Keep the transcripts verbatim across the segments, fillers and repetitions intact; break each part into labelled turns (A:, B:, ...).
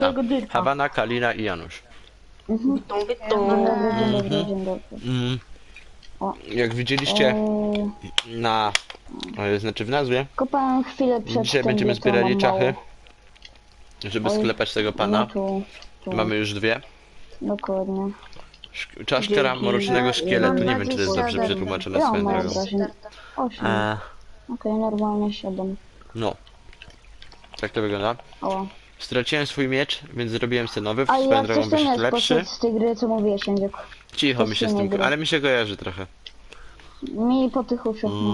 A: tego dyrka.
B: Hawana, Kalina i Janusz.
A: Witam,
C: Dzień
A: witam.
C: dobry, dzień dobry,
B: Mhm.
C: dzień dobry.
B: Mm.
C: O.
B: Jak widzieliście
C: Eee,
B: na... e, znaczy w nazwie,
C: kopałem chwilę przed
B: dzisiaj
C: tym,
B: będziemy
C: gdzie to
B: zbierali
C: mam
B: czachy,
C: mało.
B: żeby
C: Oj,
B: sklepać tego
C: No
B: pana.
C: tu, tu,
B: Mamy już dwie.
C: dokładnie.
B: Szk- Czaszka
A: Dzięki.
B: mrocznego szkieletu, nie
C: Mam
B: wiem czy to jest dobrze
C: dwadzieścia
B: przetłumaczone
C: Ja
B: swoją
C: mam
B: drogą.
C: obrażeń. osiem.
B: E,
C: Okej, normalnie siedem.
B: no. Tak to wygląda.
C: O.
B: Straciłem swój miecz, więc zrobiłem sobie nowy,
C: A
B: swoją
C: jak
B: drogą
C: coś tam
B: wyszedł
C: jest
B: lepszy.
C: poszedł z tej gry, co mówiłeś, Jędziek.
B: Cicho mi się z tym,
C: gry.
B: ale mi się kojarzy trochę.
C: Mi po tych uszach,
B: Mm.
C: no.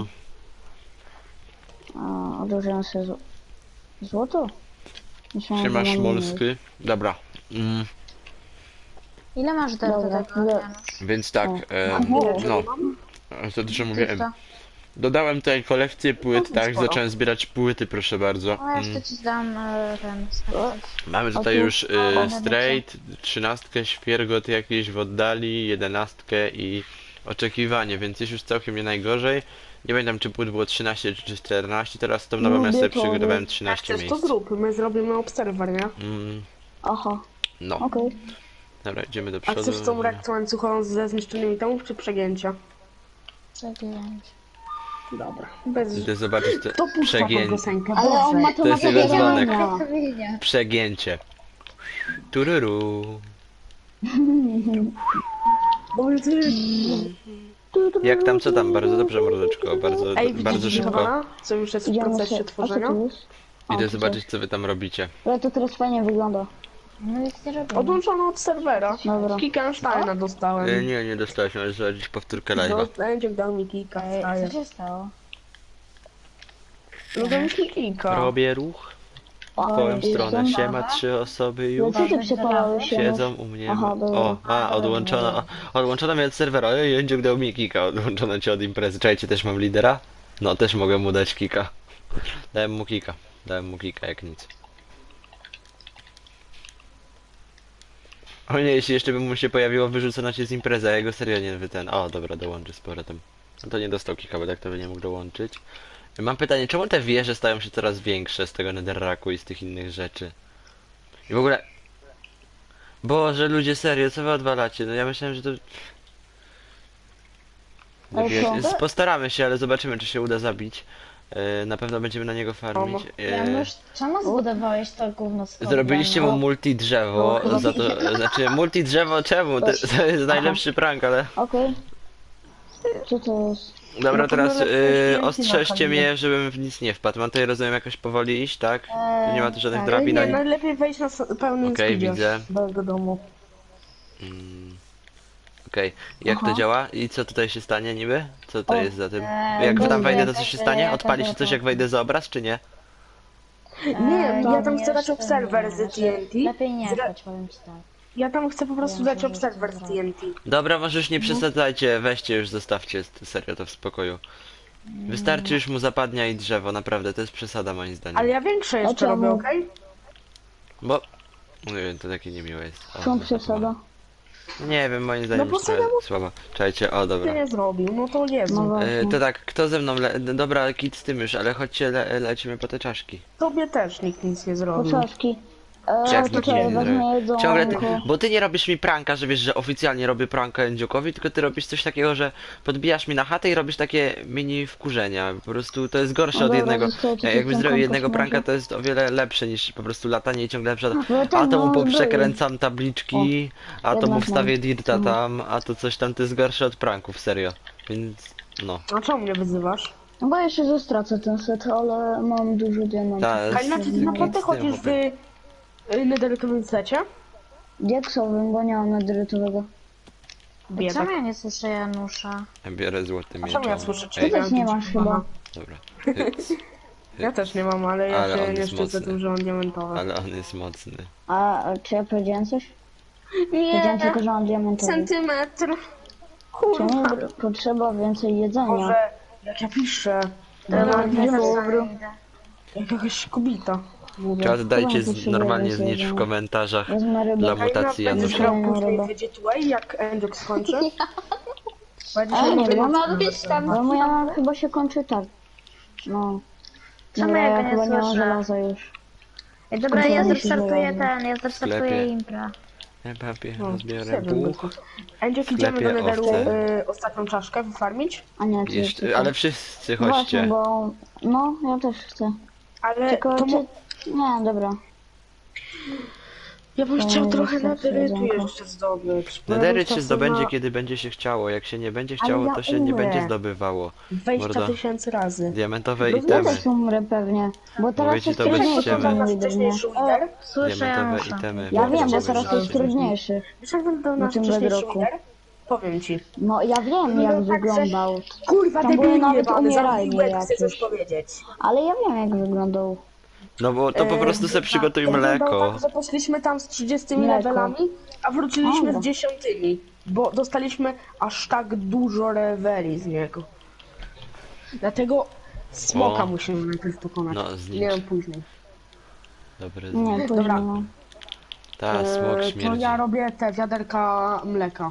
C: A, odłożyłem sobie zł... złoto? Myślałem, że
B: Siema
C: mam
B: Szmolsky. Dobra. Mm,
D: Ile masz delta
C: Dobra,
D: tego,
C: dobra.
D: Janusz?
B: więc tak,
C: O.
B: e,
C: Aha.
B: no. Za dużo mówiłem.
D: Czysto.
B: Dodałem tutaj kolekcję płyt,
A: No,
B: tak?
A: sporo.
B: Zacząłem zbierać płyty, proszę bardzo.
D: O, jeszcze
B: Mm.
D: ci dam e, ten snapchat.
B: Mamy tutaj
C: tu-
B: już
D: o,
B: y, straight, trzynastkę, świergot jakiś w oddali, jedenastkę i oczekiwanie, więc jest już całkiem nie najgorzej. Nie pamiętam czy płyt było trzynaście czy czternaście, teraz tą nową ja
C: Lubię
B: sobie
C: to,
B: przygotowałem
A: Jak
B: trzynaście
A: chcesz, to
B: miejsc.
A: zrób. My zrobimy obserwer, nie?
B: Mm,
C: Aha,
B: no,
C: okej.
B: dobra, idziemy do
A: A
B: przodu.
A: chcesz tą reakcję łańcuchową ze zniszczonymi domów, czy przegięcia?
D: Zagięć.
A: Dobra. Bez...
B: Idę zobaczyć te
A: To puszcza
B: przegię...
A: tą piosenkę,
C: Ale on ma
A: Boże.
C: to
B: To jest
C: na
B: jego dzwonek.
C: zagadania.
B: przegięcie. Tururu.
A: Boże.
B: Jak tam, co tam? Bardzo dobrze, mordeczko, bardzo,
A: Ej,
B: bardzo
A: widzisz
B: szybko.
A: Hawana? Co już jest w
C: Idziemy
A: procesie
C: się... A co
A: tworzenia?
C: tu jest? A,
B: Idę
C: tu
B: zobaczyć
C: coś.
B: co wy tam robicie.
C: Ale to teraz fajnie wygląda.
D: No nic nie robimy.
A: Odłączono od serwera.
C: Dobra.
A: Kickensteina dostałem.
B: E, nie, nie dostałeś, ale zobaczyć powtórkę live'a.
A: No, Będziek dał mi kika.
D: Ej,
A: wstaje.
D: co się stało?
A: No dał mi kika.
B: Robię ruch w
C: O,
B: twoją
C: jestem.
B: stronę. Siema, trzy osoby
C: No
B: już
C: co ty przepalałeś się?
B: siedzą u mnie.
C: Aha, dobra.
B: O, a, odłączono, o, odłączono mnie od serwera. Ojej, Jędziuk dał mi kika, odłączono cię od imprezy. Czekajcie, też mam lidera? No, też mogę mu dać kika. Dałem mu kika, dałem mu kika jak nic. O nie, jeśli jeszcze by mu się pojawiło wyrzucona cię z imprezy, a jego serio nie wy ten. O, dobra, dołączy z powrotem. No to nie dostał kika, bo tak to by nie mógł dołączyć. Mam pytanie, czemu te wieże stają się coraz większe z tego netherracku i z tych innych rzeczy? I w ogóle... Boże, ludzie, serio, co wy odwalacie? No ja myślałem, że to...
C: Ale
B: Wiesz,
C: co?
B: postaramy się, ale zobaczymy, czy się uda zabić. E, Na pewno będziemy na niego farmić. E,
D: Janusz, czemu zbudowałeś to gówno z
B: Zrobiliście mu multi drzewo,
C: No,
B: za to, znaczy multi drzewo czemu? To, to jest najlepszy prank, ale...
C: Okej. Co to jest?
B: Dobra,
A: No to
B: teraz
A: może
B: y,
A: coś
B: ostrzeżcie
A: więcej
B: mnie, żebym w nic nie wpadł. Mam tutaj, rozumiem, jakoś powoli iść, tak? Tu nie ma tu żadnych
D: tak.
B: drabin
A: Nie,
B: ani...
A: najlepiej wejść na s- pełnym
B: Okej,
A: speedzie
B: widzę.
A: do jego domu.
B: Mm, Okej, jak to
C: Aha.
B: działa? I co tutaj się stanie niby? Co to
C: O,
B: jest za tym?
D: eee,
B: Jak tam
D: dobrze,
B: wejdę, to co się
D: tak,
B: stanie?
D: e,
B: Odpali się
D: tego,
B: coś, jak
D: to-
B: wejdę za obraz, czy nie?
A: Nie,
D: to
A: ja tam chcę dać
D: jeszcze
A: obserwer
D: nie,
A: z
D: znaczy,
A: T N T.
D: Lepiej nie
A: Zra-
D: chodź, powiem ci tak.
A: Ja tam chcę po prostu
D: Ja
A: dać
D: myślę, że
A: obserwer z
D: to
A: T N T.
B: Dobra, może
D: No.
B: już nie przesadzajcie, weźcie już, zostawcie serio to w spokoju. Wystarczy już mu zapadnia i drzewo, naprawdę, to jest przesada moim zdaniem.
A: Ale ja większe jeszcze
C: czemu?
A: robię, okej?
B: Bo... Nie wiem, to takie niemiłe jest. O,
C: Są
B: to
C: przesada.
B: Nie wiem, moim zdaniem
A: No bo
B: jest trochę
A: sobie mu-
B: słabo. Czekajcie, o
A: Ty
B: dobra.
A: nie zrobił, no to
C: No
A: Jezu.
B: E,
C: właśnie.
B: to tak, kto ze mną le... Dobra, kit z tym już, ale chodźcie, le... lecimy po te czaszki.
A: Tobie też nikt nic nie zrobił.
C: Poczaszki.
B: Jak
C: Eee,
B: to
C: tutaj
B: nie
C: wezmę
B: zrobię?
C: jedzonko.
B: Ciągle, ty, bo ty nie robisz mi pranka, że wiesz, że oficjalnie robię pranka Endziokowi, tylko ty robisz coś takiego, że podbijasz mi na chatę i robisz takie mini wkurzenia. Po prostu to jest gorsze
C: No
B: od
C: dobra,
B: jednego.
C: zostajecie
B: Jakbyś
C: tym
B: zrobił
C: kompost
B: jednego pranka,
C: może.
B: to jest o wiele lepsze niż po prostu latanie i ciągle przed.
C: No
B: A
C: tak,
B: to mu
C: no,
B: poprzekręcam tabliczki, a to mu
C: jednak
B: wstawię
C: mam.
B: dirta
C: Mhm.
B: tam, a to coś tam, to jest gorsze od pranków, serio. Więc no.
A: A czemu mnie wyzywasz?
C: No bo jeszcze zastracę ten set, ale mam dużo diamentów.
B: Ta,
A: A inaczej ty
B: z-
A: naprawdę
B: z tym
A: chodzisz w
B: chłopie.
A: y, nederykowym secie?
C: Diaksowym, bo nie mam nadrytowego.
A: Biedak.
D: Czemu ja nie słyszę Janusza?
B: Ja biorę złoty
A: A
B: miecz.
A: czemu ja słyszę
C: Ty
B: Ej,
C: też nie masz chyba.
B: dobra.
A: Ja też nie mam, ale ja
B: Ale on
A: się nie
B: jest
A: szczycę
B: mocny.
A: tym, że mam diamentowe.
B: Ale on jest mocny.
C: A czy ja powiedziałem coś? Powiedziałem tylko, że mam diamentowy.
A: Centymetr.
C: Czemu
A: Kurwa.
C: br- potrzeba więcej jedzenia?
A: Może jak ja piszę, to ja
C: No,
A: mam
C: nie
A: wielu,
C: dobra.
A: jak jakaś kobita. Mówię.
B: Czas dajcie
C: Chyba
B: z,
C: muszę
B: normalnie
C: więcej
B: znicz w
C: jedzenia.
B: komentarzach
C: Wezmę rybę.
B: dla
A: A
B: mutacji
A: Ina, będziesz
B: Janusza.
A: grał
C: Janusza.
A: później
C: Ryba.
A: w Fidget Way, jak Endzok skończy? Będziesz
C: Ale nie
A: miał
C: wiem,
A: moc-
C: bo moja chyba się kończy tak. No.
D: Czemu
C: Dobra,
D: ja
C: ja
D: go nie
C: chyba nie mam
D: słyszę?
C: żelaza już.
D: Ej, dobra, ja
C: Kontrolujesz
D: zrestartuję
C: żelazne.
D: ten, ja zrestartuję
B: sklepie.
D: impra.
B: Ja papier,
A: No,
B: zbiorę
A: siedem
B: buch.
A: byków. Andziek,
B: W
A: idziemy do
B: sklepie
A: Netheru
B: owce.
A: y, ostatnią czaszkę wyfarmić?
C: A nie, ty
B: Jeszcze,
C: jeszcze
B: ale
C: ty.
B: wszyscy
C: Właśnie,
B: chodźcie.
C: bo... No, ja też chcę.
A: Ale
C: Tylko
A: to mo-
C: czy... Nie, dobra.
A: ja bym
C: to
A: chciał
C: nie
A: trochę
C: wystarczy
A: netherytu
C: jedzonko.
A: jeszcze zdobyć. bo ja
B: Nedery
A: bym
B: się
A: chciał
B: zdobędzie,
A: na
B: kiedy będzie się chciało. Jak się nie będzie
A: Ale
B: chciało,
A: ja
B: to się nie
A: umrę.
B: będzie zdobywało.
A: dwadzieścia
B: Mordo.
A: tysięcy razy.
B: Diamentowe
A: No
C: Ja
B: itemy.
C: też umrę pewnie, bo teraz
B: Mówię ci,
C: jest
B: to bez
C: trudniejszy
B: ściemy.
C: ten
A: nasz
C: widok, nie?
A: wcześniejszy winner?
D: Słyszę
B: Diamentowe
D: Janusza.
B: itemy.
C: Ja
B: Bardzo
C: wiem, bo
B: dobrze
C: teraz jest
B: widzicie.
C: trudniejszy.
A: Wiesz jak wyglądał nasz
C: tym
A: wcześniejszy
C: bedrocku.
A: winner? Powiem ci.
C: No ja wiem
A: No
C: jak
A: tak, że-
C: wyglądał,
A: Kurwa,
C: Tam były
A: debilnie
C: nawet
A: jebany,
C: umieralnie
A: zamknij łeb, chcę
C: jakieś.
A: coś powiedzieć.
C: ale ja wiem jak wyglądał.
B: No bo to po
A: E,
B: prostu se przygotuj
A: wyglądał
B: mleko.
A: Tak, że poszliśmy tam z trzydziestymi
C: Mleko.
A: levelami, a wróciliśmy
C: Dobra.
A: z dziesiątymi, bo dostaliśmy aż tak dużo leveli z niego. Dlatego smoka
B: O.
A: musimy najpierw pokonać.
B: No, znicz.
A: Nie wiem, później.
B: Dobry
C: Nie,
B: znik.
C: później
A: Dobra.
C: no.
B: Ta, smok
A: E, to
B: śmierdzi.
A: ja robię te wiaderka mleka.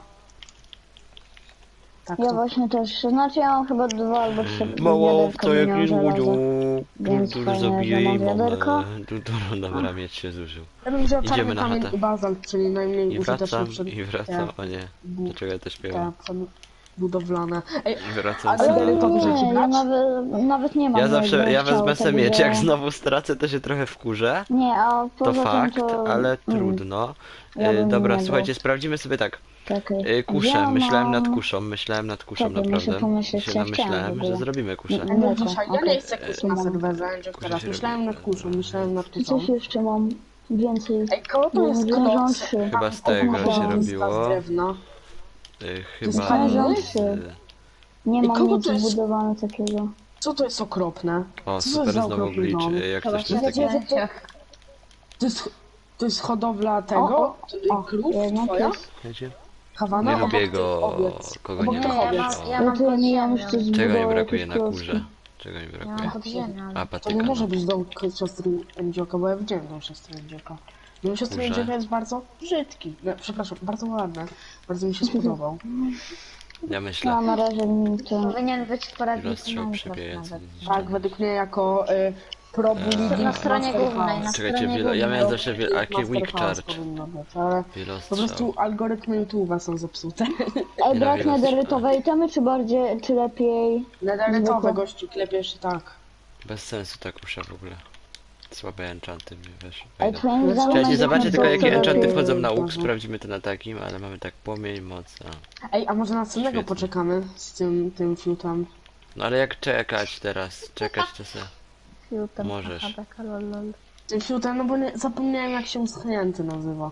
A: Tak,
C: Ja
A: to.
C: właśnie też, znaczy ja mam chyba dwa albo trzy
B: Mało
C: wiaderka
B: to jak
C: miał
B: nie
C: żelaza.
B: złudził.
C: Więc
B: Kultur
C: fajnie, że
B: zabije
C: mam
B: i mamy.
C: wiaderko.
B: Kultur, dobra, mieć się zużył.
A: Ja bym wziął
B: Idziemy
A: czarny
B: na
A: kamień
B: chatę.
A: i bazalt, czyli najmniej
B: I
A: użyteczny
B: wracam,
A: przed...
B: i wracam,
A: te
B: o nie.
A: bu-
B: Dlaczego ja to śpiewam?
A: te budowlane. Ej,
B: I wracam
A: Ale
B: sobie.
A: dalej to
C: nie,
A: możecie
C: ja
A: brać?
C: nawet, nawet nie mam.
B: Ja zawsze,
C: jakby
B: ja
C: chciał
B: wezmę sobie
C: tego,
B: miecz,
C: że-
B: jak znowu stracę, to się trochę wkurzę.
C: Nie, a
B: To
C: poza
B: fakt,
C: tym to...
B: ale
C: mm,
B: trudno.
C: ja
B: E,
C: bym
B: Dobra,
C: nie
B: słuchajcie,
C: brał.
B: sprawdzimy sobie tak.
C: Czekaj.
B: E, Kuszę,
C: Ja
B: myślałem nad
C: mam-
B: kuszą, myślałem nad kuszą
C: Czekaj, muszę
B: naprawdę.
C: pomyśleć,
B: Się
C: co ja chciałam w
B: namyślałem,
C: ogóle.
B: że zrobimy kuszę.
C: Nie.
A: Ej, bo
C: Mleko,
A: dzisiaj, ja
C: okej.
A: nie chcę kusz na
C: Mam.
A: serwerze, Andrzej,
B: Kuszę
A: teraz
B: się
A: myślałem
B: robi.
A: nad kuszą, myślałem nad
C: I
A: kuszą.
C: coś jeszcze mam więcej.
A: Ej, koło to
C: Nie
A: jest
C: wiem, że mam
A: kloc?
C: trzy.
B: Chyba z tego
C: Mam
B: się
C: dwa.
B: robiło.
A: Z drewna.
B: E,
A: jest
B: Chyba
A: fajne.
B: z...
C: Nie
A: Ej,
C: mam
A: kogo
C: nic
A: to jest?
C: zbudowane takiego.
A: Co to jest okropne?
B: O,
A: Co to
B: super,
A: jest za
B: znowu
A: okropny
B: glitch.
A: dom?
B: E, Jak
D: Chyba
B: coś
D: się
B: to jest taki...
A: Wiecie, że to, to jest, to jest hodowla tego?
C: O, o,
A: Krów
C: jednak
A: twoja?
C: jest.
B: Wiecie?
A: Kawana?
B: Nie
A: Obok
B: lubię
A: tych
B: go,
A: owiec.
B: kogo
A: Obok
B: nie
A: tych
D: Nie, ja
B: lubię.
D: mam,
A: owiec.
D: ja
C: No
D: mam
C: to ja
D: pod
C: nie mam
D: ziemią.
C: jeszcze
B: Czego mi
C: zbudował
B: brakuje
C: jakieś
B: na
C: klocki.
B: górze? Czego mi
D: Ja
B: brakuje?
D: mam pod ziemią.
B: A,
A: To nie
B: patyka.
A: może
B: no.
A: być dom siostry Endzioka, bo ja widziałem dom siostry Endzioka. Dom siostry
B: Kurze.
A: Endzioka jest bardzo brzydki. No, przepraszam, bardzo ładny. Bardzo mi się spodobał.
B: Ja myślę.
C: No na razie mi to...
D: Powinien być w poradniku
B: Rozstrzał
D: Minecraft
B: przebijający.
D: nawet.
A: Tak, według mnie jako y, pro
B: Eee.
D: Na stronie głównej, na
B: Czekajcie,
D: stronie
B: wielo... ja
D: głównej.
B: miałem zawsze wielkie weak charge.
A: powinno być, ale po
B: Wielostrzał.
A: prostu algorytmy YouTube'a są zepsute.
C: Ej,
B: Nie
C: brak
B: no, wiele
C: nederytowej itemy, czy bardziej, czy lepiej...
A: Nederytowe
C: Zwykłe.
A: gościu, klepiesz i tak.
B: Bez sensu ta kusza w ogóle. Słabe enchanty mi wiesz.
C: Ej,
B: wejdą.
C: twoim zdaniem...
B: Czekajcie,
C: będzie
B: zobaczcie
C: na
B: tylko
C: to,
B: jakie
C: co
B: enchanty
C: lepiej-
B: wchodzą na łuk,
A: Dobra.
B: sprawdzimy to na takim, ale mamy tak płomień, moc, a.
A: Ej, a może następnego
B: Świetnie.
A: poczekamy z tym, tym fiutem?
B: No ale jak czekać teraz? Czekać to se.
D: Filtem,
B: Możesz.
D: aha, taka lol, lol.
A: Tym fiutem, no bo nie, zapomniałem jak się uschnięty nazywa.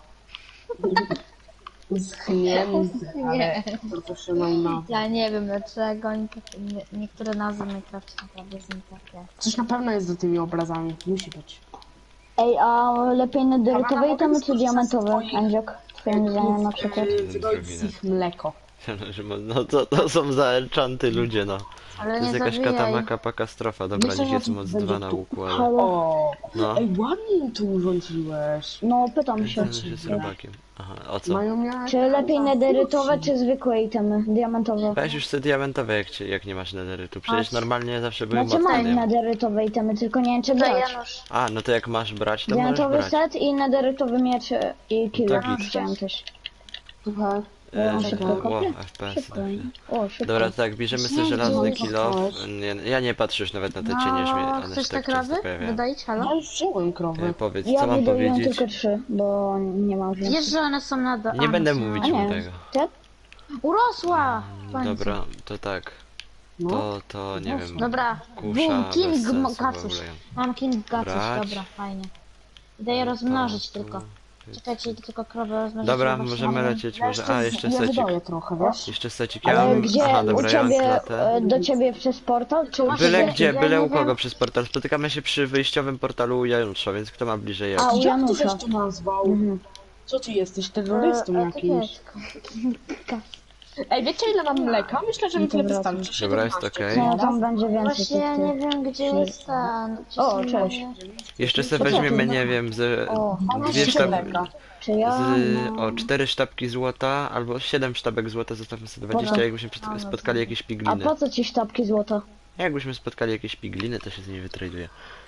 A: Uschnięty, ale profesjonalna.
D: Ja nie wiem dlaczego oni tak, nie, niektóre nazwy Minecraft naprawdę są takie.
A: Coś na pewno jest za tymi obrazami, musi być.
C: Ej, a lepiej nederytowe
A: Kawana,
C: itemy,
A: mogę
C: czy diamentowe,
A: skorzystać z
C: Andziok? Twoim zdaniem na przykład.
A: Yy, Wydoić z ich mleko.
B: Że mo- No to, to są za enchanty ludzie, no.
D: Ale
B: To
D: nie
B: jest jakaś
D: zabijaj.
B: katamaka katastrofa. Dobra,
A: Myślę,
B: niech
A: że
B: jest
A: to
B: moc
A: będzie
B: dwa na
A: tu-
B: łuku, ale...
C: Halo?
A: O,
B: No.
A: ej, ładnie to urządziłeś.
C: No, pytam się.
B: Ten się z robakiem. Aha, o co?
A: Mają miarę...
C: Czy lepiej nederytowe, czy zwykłe itemy, diamentowe?
B: Weź już te diamentowe, jak, cię, jak nie masz nederytu. Przecież
D: Chodź.
B: normalnie zawsze były
C: Znaczy
B: mocne.
C: mam
B: nie?
C: nederytowe itemy, tylko nie wiem czy
D: Tutaj
C: brać.
D: Janusz.
B: A, no to jak masz brać, to możesz
C: Diamentowy
B: brać.
C: set i nederytowy miecz i killa.
B: To git.
C: Chciałem też.
A: Słuchaj,
B: E,
C: Ja
B: że-
C: szybko
B: Ło,
C: kopię.
B: F P S.
C: Szybko. O, szybko.
B: Dobra, to tak, bierzemy sobie
A: Nie,
B: żelazny
A: nie,
B: kilo.
A: zostałeś.
B: Nie, ja nie patrzę już nawet na te cienie, śmie-
D: No,
B: one
D: chcesz
B: się
D: te
B: tak często
D: krowy
B: pojawiają.
D: wydać, halo?
A: ja już wziąłem krowę.
B: E, Powiedz,
C: Ja
B: co mam
C: wydoiłem
B: powiedzieć?
C: tylko trzy, bo nie mam więcej.
D: Wiesz, że one są na do...
B: Nie
D: a,
B: będę
D: no są-
B: mówić
C: A
B: mu
C: nie.
B: tego.
C: Ty?
D: Urosła! W końcu.
B: Dobra, to tak.
A: No.
B: To, to nie wiem.
D: Dobra,
B: Kusza
D: boom,
B: bez
D: King
B: sensu
D: Mo-
B: w
D: Kacuś.
B: ogóle.
D: Mam King Kacuś,
B: Brać.
D: dobra, fajnie. Idę je rozmnożyć tylko. Czekajcie, tylko krowę rozmnożyć.
B: Dobra,
D: bo właśnie
B: możemy
D: mam-
B: lecieć,
A: Ja
B: może... A, jeszcze
A: ja
B: secik.
A: wydaję trochę, wiesz?
B: Jeszcze secik. Ja
C: Ale
B: mam...
C: gdzie?
B: Aha, dobra,
C: U
B: ja mam
C: ciebie,
B: klatę.
C: e, do ciebie przez portal? Czy u
B: Byle
C: ciebie?
B: gdzie,
D: ja
B: byle
D: nie
B: u kogo
D: wiem.
B: przez portal. Spotykamy się przy wyjściowym portalu u Janusza, więc kto ma bliżej jak?
C: A, u
A: Jak ty
C: Janusza.
A: żeś to nazwał?
C: Mhm.
A: Co ty jesteś, terrorystą
D: E,
A: jakimś?
D: etykietką.
A: Ej, wiecie ile mam mleka? Myślę, że mi tyle
C: Dobra,
A: wystarczy.
B: Dobra, jest
A: siedemnaście.
B: okej.
C: No, tam będzie więcej
D: Właśnie ja
C: tych
D: nie
C: tych.
D: wiem, gdzie jest ten. Gdzie
C: O,
D: są
C: cześć.
D: moje-
B: Jeszcze
C: Co
B: sobie
C: ty?
B: weźmiemy, nie wiem, z...
C: O,
A: Mam
B: Dwie
A: jeszcze
B: sztabki...
A: mleka.
C: Czy ja?
B: Z,
C: No.
B: o, cztery sztabki złota, albo siedem sztabek złota, zostawmy sobie dwadzieścia,
C: Dobra.
B: jakbyśmy przed-
D: A, no
B: spotkali
D: to-
B: jakieś
C: A
B: pigliny.
C: po co ci sztabki złota?
B: Jakbyśmy spotkali jakieś pigliny, to się z nimi wytraduje.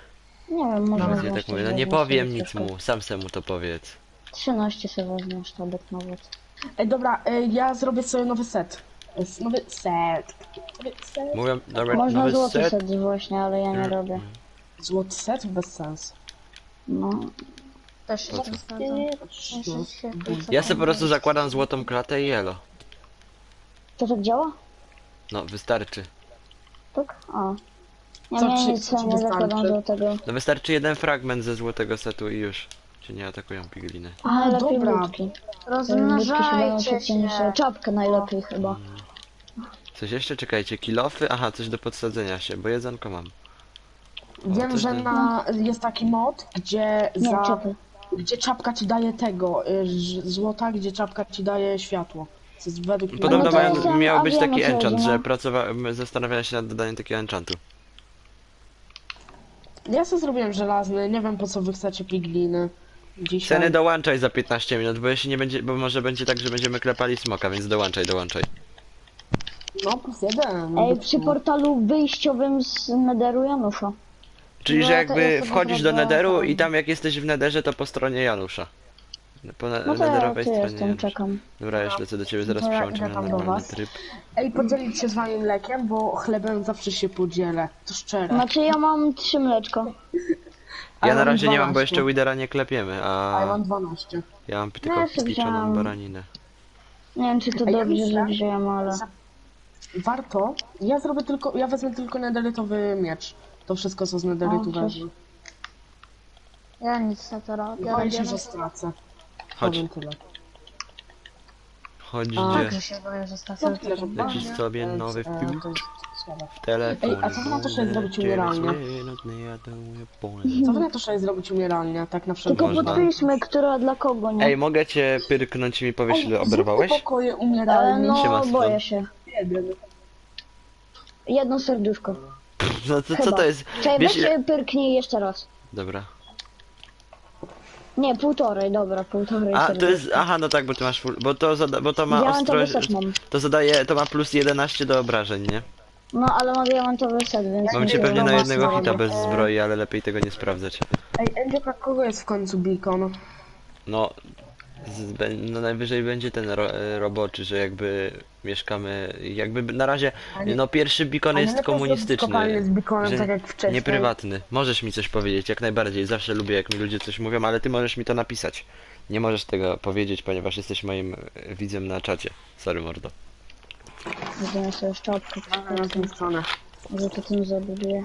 C: Nie wiem, może...
A: Nawet
B: Ja tak mówię, no nie powiem nic mu, sam se mu to powiedz.
C: trzynaście sobie wezmę sztabek nawet.
A: Ej, dobra, ej, ja zrobię sobie nowy set. S- Nowy set. Nowy set.
B: Mówią, dobra,
C: Można
B: nowy
C: złoty
B: set.
C: set właśnie, ale ja nie robię.
A: Złoty set? Bez sensu.
C: No.
D: Też się
B: Po co?
D: wysadzą. Muszę się
B: Ja sobie po prostu zakładam złotą klatę i elo.
C: To tak działa?
B: No, wystarczy.
C: Tak? A. Ja
A: Co
C: miałem
A: ci-
C: nic,
A: co ci
C: nie zakładam
A: wystarczy?
C: do tego.
B: No wystarczy jeden fragment ze złotego setu i już. Cię nie atakują pigliny.
C: A, lepiej
A: dobra.
C: ludki. Ludki się będą
D: Rozmnażajcie
C: szybciej niż...
D: się.
C: Czapkę najlepiej chyba.
B: Coś jeszcze? Czekajcie, kilofy? Aha, coś do podsadzenia się, bo jedzonko mam.
A: Wiem,
B: to
A: że
B: jest-
A: na, jest taki mod, gdzie
C: Nie,
A: za...
C: czapy.
A: Gdzie czapka ci daje tego, y, ż- złota, gdzie czapka ci daje światło. Co jest według mnie...
B: Podobno
C: no to
B: mają,
C: jest ten
B: miał być
C: awion
B: taki
C: cały,
B: enchant,
C: no.
B: że pracowałem, zastanawiałem się nad dodaniem takiego enchantu.
A: Ja sobie zrobiłem żelazny, nie wiem po co wy chcecie pigliny. Dzisiaj.
B: Ceny dołączaj za piętnaście minut, bo jeśli nie będzie, bo może będzie tak, że będziemy klepali smoka, więc dołączaj, dołączaj.
A: No, plus jeden.
C: Ej, przy portalu wyjściowym z Netheru Janusza.
B: Czyli,
D: No,
B: że
D: to
B: jakby
D: ja sobie
B: wchodzisz do
D: zrobię
B: nederu
D: ten.
B: i tam jak jesteś w nederze, to po stronie Janusza. Po ne
C: No to ja
B: nederowej
C: tu
B: stronie
C: jestem,
B: Janusza.
C: czekam.
B: Dobra, już lecę do ciebie, zaraz
A: To ja
B: przełączymy
A: idę
B: na
A: tam do
B: normalny
A: was.
B: tryb.
A: Ej, podzielić się z wami mlekiem, bo chlebem zawsze się podzielę. To szczere.
C: Znaczy ja mam trzy mleczko.
A: A
B: Ja
A: ja
B: na
A: mam
B: razie nie mam, bo
A: dwanaście.
B: jeszcze Widera nie klepiemy,
A: A ja
B: a
A: mam dwanaście.
B: ja mam tylko
C: Ja sobie
B: piczoną
C: wziąłam.
B: baraninę.
C: Nie wiem czy to
A: Ej, ja
C: dobrze,
A: myślę,
C: że wziąłem, ale...
A: Warto. Ja zrobię tylko, ja wezmę tylko nederytowy miecz. To wszystko co z nederytu
C: O, cześć.
A: wezmę.
D: Ja nic na to robię.
A: Boję się,
D: robię
A: że
D: na-
A: stracę.
B: Chodź,
A: Powiem tyle.
B: chodź
A: A,
B: gdzie?
D: że się boję, że stracę.
A: No tyle, że
B: Lecisz
A: boję,
B: sobie
A: więc,
B: nowy
A: e,
B: film.
A: to jest słabe.
B: W telefonie.
A: Ej, a co wy na to, żeby zrobić umieralnie? Co wy na to, żeby zrobić umieralnie, tak na wszelki
C: Tylko
B: Można.
C: podpiszmy, która dla kogo, nie?
B: Ej, mogę cię pyrknąć i mi powiesz, ile
A: Ej,
B: oberwałeś?
A: zróbmy pokoje
C: E,
A: umieralnie.
B: Siema,
C: no,
B: Stefan.
C: boję się.
A: Jeden.
C: Jedno serduszko.
B: No to co
C: Chyba.
B: to jest?
C: Czekaj,
B: Wiesz
C: weź
B: ile...
C: się pyrknij jeszcze raz.
B: Dobra.
C: Nie, półtorej, dobra, półtorej
B: A, to
C: serduszka.
B: jest... Aha, no tak, bo ty masz full... Bo to, zada... bo to ma
C: Diamentowy
B: ostrość...
C: set mam.
B: To zadaje... To ma plus jedenaście do obrażeń, nie?
C: No, ale ma diamentowy set, więc...
B: Mam
C: nie
B: cię
C: wiem,
B: pewnie na
C: no,
B: jednego
C: mocno
B: hita
C: robię.
B: bez zbroi, ale lepiej tego nie sprawdzać.
A: Ej, Endzioka, kogo jest w końcu beacon?
B: No... Z... bę- No najwyżej będzie ten ro... e, roboczy, że jakby mieszkamy... Jakby na razie...
A: A nie-
B: No pierwszy beacon
A: A nie
B: jest
A: lepiej zrobić
B: komunistyczny.
A: kopalnię z beaconem,
B: że
A: tak jak wcześniej.
B: Nie prywatny. Możesz mi coś powiedzieć, jak najbardziej. Zawsze lubię, jak mi ludzie coś mówią, ale ty możesz mi to napisać. Nie możesz tego powiedzieć, ponieważ jesteś moim e, widzem na czacie. Sorry, mordo.
C: Wezmę sobie szczotkę,
A: Na tę stronę.
C: może to tym zabuduję.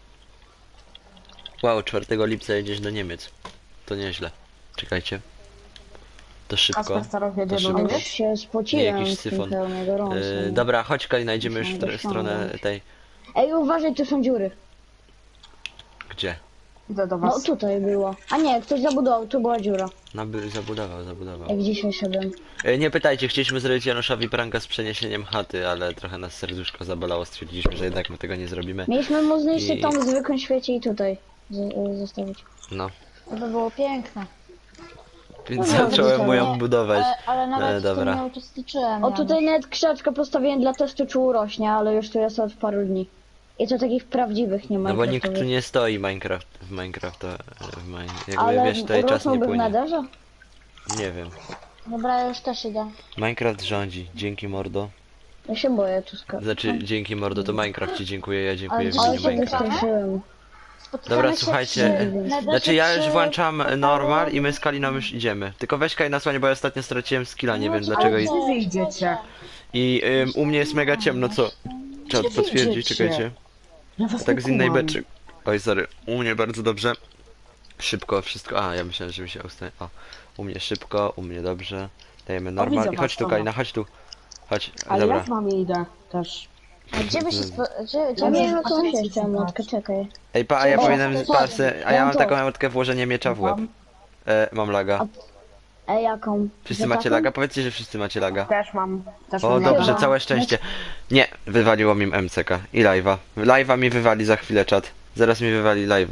B: Wow, czwartego lipca jedziesz do Niemiec. To nieźle. Czekajcie. To szybko.
A: Kasper Staroch jedzie
B: To
A: do
B: szybko.
C: Ale
A: mnie.
C: już się spociłem
B: jakiś
C: w tym
B: syfon.
C: pełnie gorąco.
B: E,
C: nie?
B: dobra, chodź Kali, znajdziemy już
C: Muszę
B: tr- stronę
C: dosiągnąć.
B: tej...
C: Ej, uważaj, tu są dziury.
B: Gdzie?
A: Idę do
C: No
A: was.
C: tutaj było. A nie, ktoś zabudował, tu była dziura.
B: No by zabudował, zabudował.
C: Jak dzisiaj szedłem.
B: E, nie pytajcie, chcieliśmy zrobić Januszowi pranka z przeniesieniem chaty, ale trochę nas serduszko zabolało, stwierdziliśmy, że jednak my tego nie zrobimy.
C: Mieliśmy mu zniszczyć
B: I-
C: tą w zwykłym świecie i tutaj z, y, zostawić.
B: No.
D: To by było piękne.
B: Więc
C: No,
B: zacząłem
C: dobra.
B: mu ją budować.
D: Ale, ale nawet
B: E,
D: w tym
B: dobra.
D: nie uczestniczyłem.
C: O,
D: ja.
C: tutaj nawet krzaczkę postawiłem dla testu, czy urośnie, ale już tu jest od paru dni. I to takich prawdziwych nie ma.
B: No bo nikt tu nie stoi Minecraft w Minecraft, to w mine... jakby
C: Ale
B: wiesz, tutaj czas nie
C: rosnąłby w
B: płynie.
C: nederze?
B: Nie wiem.
D: Dobra, ja już też idę.
B: Minecraft rządzi, dzięki mordo.
C: Ja się boję tu skakać.
B: Znaczy dzięki mordo, to Minecraft ci dziękuję, ja dziękuję
D: Ale
B: widzom
C: Ale się
B: Minecraft.
C: wystraszyłem.
D: Spotykamy
B: Dobra,
D: się
B: słuchajcie,
D: przy-
B: e,
D: na
B: Znaczy ja już
D: przy-
B: włączam normal i my z Kaliną już idziemy. Tylko weź Kaj na słonie, bo ja ostatnio straciłem skilla, nie wiem dlaczego. I,
A: Gdzie wy idziecie?
B: i ym, u mnie jest mega ciemno, co? Trzeba
A: Gdzie
B: potwierdzić,
A: idziecie?
B: czekajcie.
A: Ja was
B: Tak
A: nie
B: z innej
A: kumam.
B: beczy. Oj, sorry. U mnie bardzo dobrze. Szybko wszystko. A, ja myślałem, że mi się ustaje. O, u mnie szybko, u mnie dobrze. Dajemy normal.
A: widzę
B: I chodź
A: was,
B: tu,
A: dobra.
B: Kalina, chodź tu. Chodź,
A: Ale
B: dobra.
A: ja z wami idę też.
D: A gdzie wy się spo... Gdzie, gdzie
C: Ja
D: wy
C: nie
D: się
C: wiem, co
A: patrzcie,
C: myśleć, tę
A: co
C: młotkę, czekaj.
B: Ej, pa, a ja
C: O,
B: powinienem
C: to
B: pasy. A ja
C: mam
B: mam
C: to.
B: taką emotkę włożenie miecza w łeb. E, mam laga.
C: Ej, jaką?
B: Wszyscy
C: Że
B: macie
C: taką?
B: laga? Powiedzcie, że wszyscy macie laga.
A: Też mam. Też
B: O,
A: mam
B: dobrze,
A: laga.
B: całe szczęście. Nie, wywaliło mi M C K i live'a. Live'a mi wywali za chwilę czat. Zaraz mi wywali live'a.